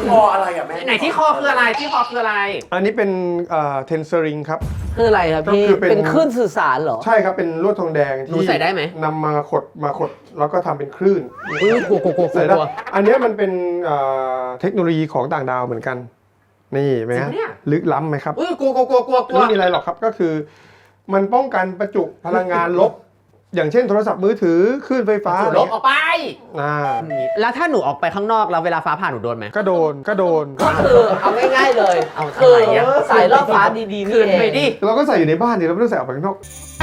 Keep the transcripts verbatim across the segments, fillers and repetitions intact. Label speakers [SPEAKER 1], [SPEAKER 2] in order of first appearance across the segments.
[SPEAKER 1] คออะไรอ่ะแม่ไหนที่คอคืออะไรที่คอคืออะไร
[SPEAKER 2] อันนี้เป็นเทนเซอริงครับ
[SPEAKER 3] คืออะไรครับพี่เป็นคลื่นสื่อสารเหรอ
[SPEAKER 2] ใช่ครับเป็นลวดทองแดงที่
[SPEAKER 1] ใส่ได้ไหม
[SPEAKER 2] นำมาขดมาขดแล้วก็ทำเป็นคลื่น
[SPEAKER 1] อุ้ยกลัวกลัวกลัวกลัว
[SPEAKER 2] อันนี้มันเป็นเทคโนโลยีของต่างดาวเหมือนกันนี่ไหมฮะลึกล้ำไหมครับ
[SPEAKER 1] อุ้ยกลัวกลัวกลัวกลัวกลัว
[SPEAKER 2] ไม่มีอะไรหรอกครับก็คือมันป้องกันประจุพลังงานลบอย่างเช่นโทรศัพท์มือถือคลื่นไฟฟ้า
[SPEAKER 1] ลบออกไป
[SPEAKER 2] อ่า
[SPEAKER 1] แล้วถ้าหนูออกไปข้างนอกแล้วเวลาฟ้าผ่าหนูโดนไหม
[SPEAKER 2] ก็โดนก็โดน
[SPEAKER 3] ก็คือเอาง่ายๆเลยคือสายล่อฟ้าดีๆ
[SPEAKER 1] คืนไปดิ
[SPEAKER 2] เราก็ใส่อยู่ในบ้านดิเราไม่ต้องใส่ออกไปข้างนอก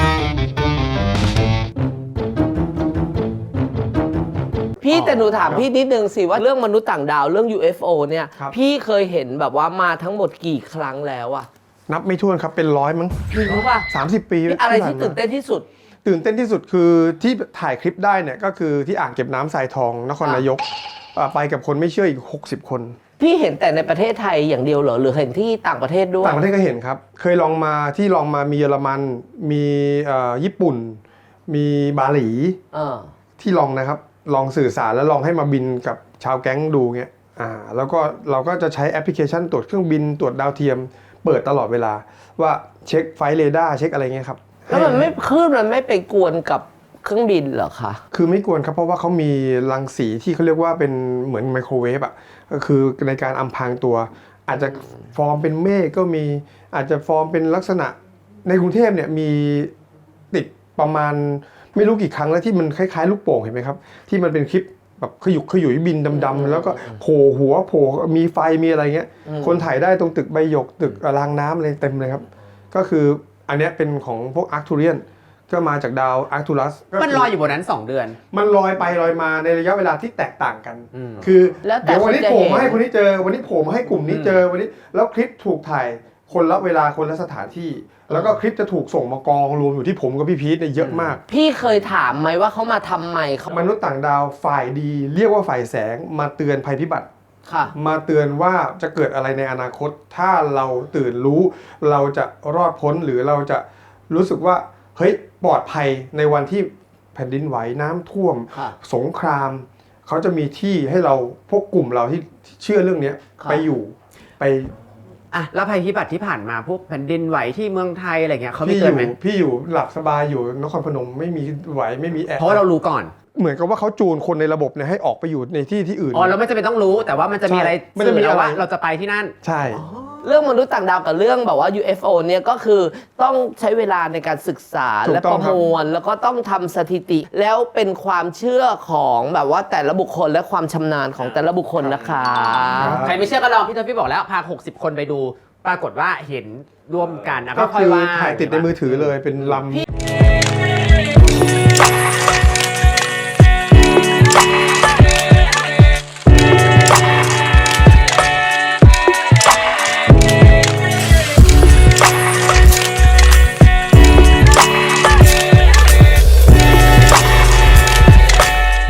[SPEAKER 3] พี่แต่หนูถามพี่นิดนึงสิว่าเรื่องมนุษย์ต่างดาวเรื่อง ยู เอฟ โอ เนี่ยพี่เคยเห็นแบบว่ามาทั้งหมดกี่ครั้งแล้วอะ
[SPEAKER 2] นับไม่ถ้วนครับเป็นร้อยมั้ง
[SPEAKER 3] พี่รู้ป่ะ
[SPEAKER 2] สามสิบปี
[SPEAKER 3] อะไรที่ตื่นเต้นที่สุด
[SPEAKER 2] ตื่นเต้นที่สุดคือที่ถ่ายคลิปได้เนี่ยก็คือที่อ่างเก็บน้ำทรายทองนครนายกไปกับคนไม่เชื่ออีกหกสิบคน
[SPEAKER 3] พี่เห็นแต่ในประเทศไทยอย่างเดียวเหรอหรือเห็นที่ต่างประเทศด้วย
[SPEAKER 2] ต่างประเทศก็เห็นครับเคยลองมาที่ลองมามีเยอรมันมีญี่ปุ่นมีบาหลีที่ลองนะครับลองสื่อสารแล้วลองให้มาบินกับชาวแก๊งดูเงี้ยอ่าแล้วก็เราก็จะใช้แอปพลิเคชันตรวจเครื่องบินตรวจดาวเทียมเปิดตลอดเวลาว่าเช็คไฟเรดาร์เช็คอะไรเงี้ยครับ
[SPEAKER 3] แล้วมันไม่คลื่นมันไม่ไปกวนกับเครื่องบินเหรอคะ
[SPEAKER 2] คือไม่กวนครับเพราะว่าเขามีรังสีที่เขาเรียกว่าเป็นเหมือนไมโครเวฟอ่ะก็คือในการอำพรางตัวอาจจะฟอร์มเป็นเมฆก็มีอาจจะฟอร์มเป็นลักษณะในกรุงเทพเนี่ยมีติดประมาณไม่รู้กี่ครั้งแล้วที่มันคล้ายๆลูกโป่งเห็นไหมครับที่มันเป็นคลิปแบบขยุกขยุยบินดำๆแล้วก็โผล่หัวโผล่มีไฟมีอะไรเงี้ยคนถ่ายได้ตรงตึกใบหยกตึกรางน้ำอะไรเต็มเลยครับก็คืออันนี้เป็นของพวกอาร์คทูเรียนก็มาจากดาวอาร์คทูรัส
[SPEAKER 1] มันลอยอยู่บนนั้นสองเดือน
[SPEAKER 2] มันลอยไปลอยมาในระยะเวลาที่แตกต่างกันคือเดี๋ยววันนี้โผล่มาให้คนนี้เจอวันนี้โผล่มาให้กลุ่มนี้เจอวันนี้แล้วคลิปถูกถ่ายคนละเวลาคนละสถานที่แล้วก็คลิปจะถูกส่งมากองรวมอยู่ที่ผมกับพี่พีทเนี่ยเยอะมาก
[SPEAKER 3] พี่เคยถามไหมว่าเขามาทำไม
[SPEAKER 2] มนุษย์ต่างดาวฝ่ายดีเรียกว่าฝ่ายแสงมาเตือนภัยพิบัติมาเตือนว่าจะเกิดอะไรในอนาคตถ้าเราตื่นรู้เราจะรอดพ้นหรือเราจะรู้สึกว่าเฮ้ยปลอดภัยในวันที่แผ่นดินไหวน้ำท่วมสงครามเขาจะมีที่ให้เราพวกกลุ่มเราที่เชื่อเรื่องนี้ไปอยู่ไป
[SPEAKER 1] อ่ะแล้วภัยพิบัติที่ผ่านมาพวกแผ่นดินไหวที่เมืองไทยอะไรเงี้ยเขาไม่เตือนไหม
[SPEAKER 2] พี่อยู่หลับสบายอยู่นครพนมไม่มีไหวไม่มีแอร์
[SPEAKER 1] เพราะเรารู้ก่อน
[SPEAKER 2] เหมือนกับว่าเขาจูนคนในระบบเนี่ยให้ออกไปอยู่ในที่ที่อื่น
[SPEAKER 1] อ๋อเราไม่จำเป็นต้องรู้แต่ว่ามันจะมีอะไร
[SPEAKER 2] ไม่ได้มีอะไร
[SPEAKER 1] ว่าเราจะไปที่นั่น
[SPEAKER 2] ใช่
[SPEAKER 3] เรื่องมนุษย์ต่างดาวกับเรื่องแบบว่า ยู เอฟ โอ เนี่ยก็คือต้องใช้เวลาในการศึกษาและประมวลแล้วก็ต้องทำสถิติแล้วเป็นความเชื่อของแบบว่าแต่ละบุคคลและความชำนาญของแต่ละบุคคลนะคะ
[SPEAKER 1] ใครไม่เชื่อก็ลองพี่ทพี่บอกแล้วพาหกสิบคนไปดูปรากฏว่าเห็นร่วมกันนะก็ค่อยว่า
[SPEAKER 2] ถ่ายติดในมือถือเลยเป็นลำ